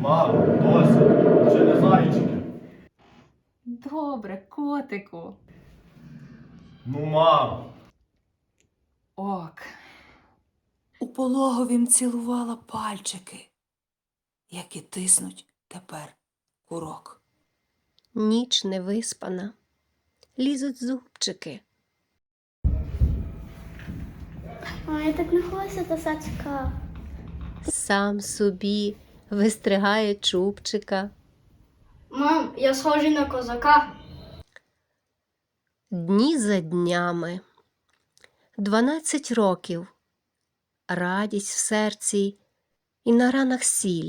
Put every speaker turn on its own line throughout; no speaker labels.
Мамо, досить, вже не зайчики.
Добре, котику.
Ну, мамо.
Ок.
У пологовім цілувала пальчики, які тиснуть тепер курок.
Ніч невиспана, лізуть зубчики.
Ой, я так не хочу до сачка.
Сам собі вистригає чубчика.
Мам, я схожий на козака.
Дні за днями. 12 років. Радість в серці і на ранах сіль.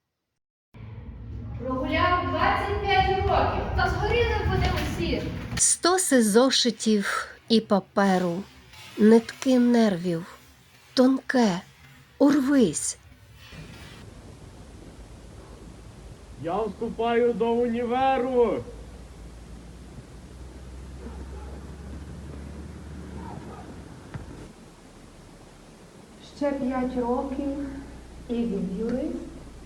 Прогуляв 25 років, та згоріли вони усі.
100 зошитів і паперу, нитки нервів, тонке, урвись.
Я вступаю до універу.
Ще 5 років і він юрист.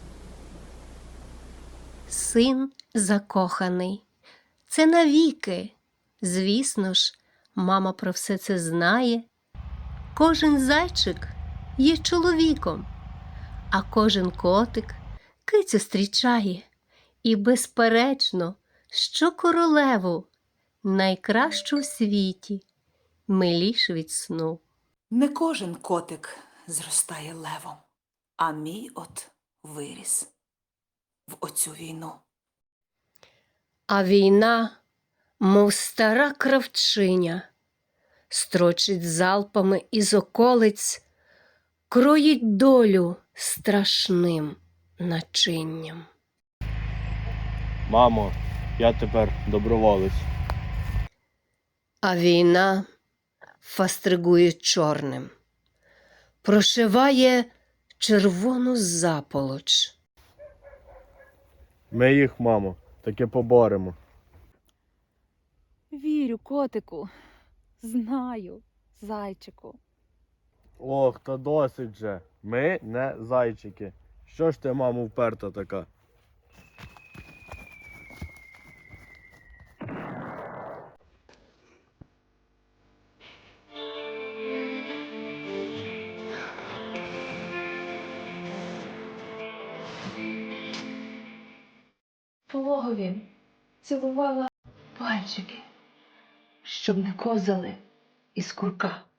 Син закоханий. Це навіки. Звісно ж, мама про все це знає. Кожен зайчик є чоловіком, а кожен котик кицю зустрічає. І, безперечно, що королеву, найкращу в світі, миліш від сну.
Не кожен котик зростає левом, а мій от виріс в оцю війну.
А війна, мов стара кравчиня, строчить залпами із околиць, кроїть долю страшним начинням.
Мамо, я тепер доброволець.
А війна фастригує чорним, прошиває червону заполоч.
Ми їх, мамо, таки поборемо.
Вірю, котику. Знаю, зайчику.
Ох, та досить же. Ми не зайчики. Що ж ти, мамо, вперта така?
Пологові цілувала пальчики, щоб не козали із курка.